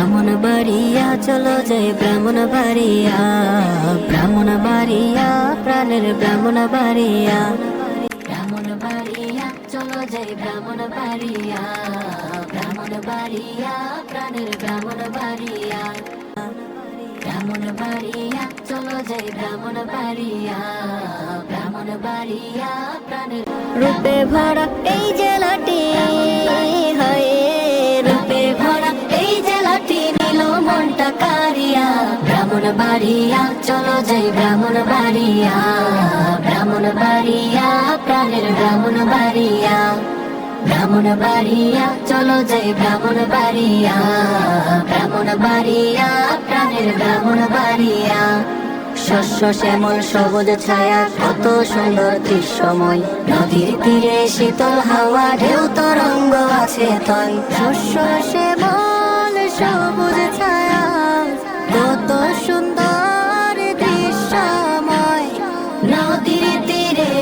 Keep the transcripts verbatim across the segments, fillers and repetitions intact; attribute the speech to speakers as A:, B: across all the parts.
A: ব্রাহ্মণ বাড়িয়া চলো যাই ব্রাহ্মণ বাড়িয়া, ব্রাহ্মণ বাড়িয়া প্রাণের ব্রাহ্মণ বাড়িয়া, ব্রাহ্মণ বাড়িয়া চলো যাই ব্রাহ্মণ বাড়িয়া, ব্রাহ্মণ বাড়িয়া প্রাণের ব্রাহ্মণ বাড়িয়া, ব্রাহ্মণ বাড়িয়া চলো যাই ব্রাহ্মণ বাড়িয়া, ব্রাহ্মণ বাড়িয়া প্রাণের রূপে ভরা এই জেলাটি, হয় রূপে ভরা এই জেলাটি নীল মনটা কারিয়া, ব্রাহ্মণ বাড়িয়া চলো যাই ব্রাহ্মণ বাড়িয়া, ব্রাহ্মণ বাড়িয়া প্রাণের ব্রাহ্মণ বাড়িয়া, ব্রাহ্মণ বাড়িয়া চলো যাই ব্রাহ্মণ বাড়িয়া, ব্রাহ্মণ বাড়িয়া প্রাণের ব্রাহ্মণ বাড়িয়া, শস্য শ্যামল সবুজ ছায়া কত সুন্দর দৃশ্যময়, নদীর তীরে শীতল হাওয়া ঢেউ তরঙ্গ আছে তয়, শস্য শ্যামল সবুজ ছায়া কত সুন্দর দৃশ্যময়, নদীর তীরে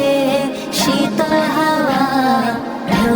A: শীতল হাওয়া ঢেউ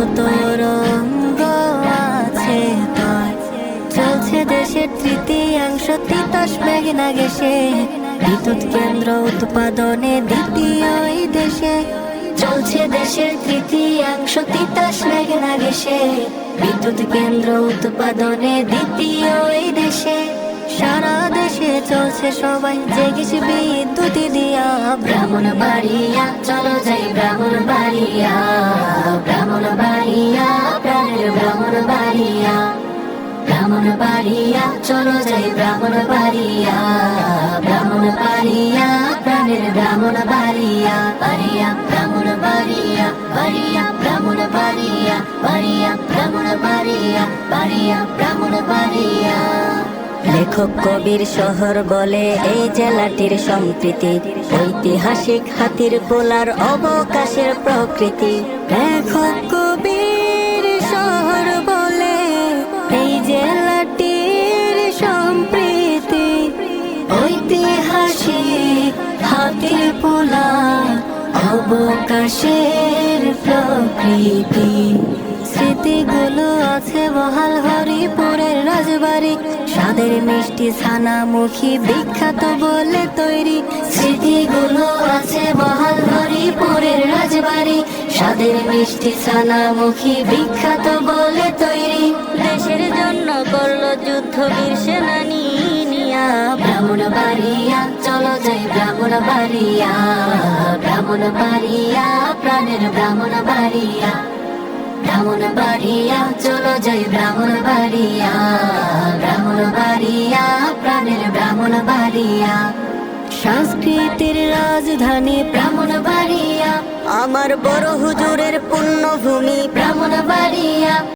A: তরঙ্গ আছে তয়, চলছে দেশের তৃতীয়াংশ তিতাস মেঘনা গেছে, বিদ্যুৎ কেন্দ্র উৎপাদনে দ্বিতীয় এই দেশে, চলছে দেশের তৃতীয়াংশ তিতাস মেঘনা গেছে, বিদ্যুৎ কেন্দ্র উৎপাদনে দ্বিতীয় এই দেশে, সারা দেশে চলছে সবাই জেগেছ বিদ্যুৎ দিয়া, ব্রাহ্মণ বাড়িয়া চলো যাই ব্রাহ্মণ বাড়িয়া, ব্রাহ্মণ বাড়িয়া প্রাণের ব্রাহ্মণ বাড়িয়া, ব্রাহ্মণ বাড়িয়া চলো যাই ব্রাহ্মণ বাড়িয়া, ব্রাহ্মণ বাড়িয়া প্রাণের ব্রাহ্মণ বাড়িয়া, বাড়িয়া ব্রাহ্মণ বাড়িয়া, বাড়িয়া ব্রাহ্মণ বাড়িয়া, বাড়িয়া ব্রাহ্মণ বাড়িয়া, বাড়িয়া ব্রাহ্মণ বাড়িয়া। লেখক কবির শহর বলে এই জেলাটির সম্প্রীতি, ঐতিহাসিক হাতির পোলার অবকাশের প্রকৃতি, লেখক কবির শহর বলে এই জেলাটির সম্প্রীতি, ঐতিহাসিক হাতির পোলার অবকাশের প্রকৃতি, স্মৃতিগুলো আছে বহাল হরিপুরের রাজবাড়ি, স্বাদের মিষ্টি ছানামুখী বিখ্যাত বলে তৈরি, স্মৃতিগুলো আছে বহাল হরিপুরের রাজবাড়ি, স্বাদের মিষ্টি ছানামুখী বিখ্যাত বলে তৈরি, দেশের জন্য করলো যুদ্ধ বীর সেনানী নিয়া, ব্রাহ্মণ বাড়িয়া চলো যাই ব্রাহ্মণ বাড়িয়া, ব্রাহ্মণ বাড়িয়া প্রাণের ব্রাহ্মণ বাড়িয়া, ব্রাহ্মণ বাড়িয়া চলো যাই ব্রাহ্মণ বাড়িয়া, ব্রাহ্মণ বাড়িয়া প্রাণের ব্রাহ্মণ বাড়িয়া, সংস্কৃতির রাজধানী ব্রাহ্মণ বাড়িয়া, আমার বড় হুজুরের পুণ্যভূমি ব্রাহ্মণ বাড়িয়া।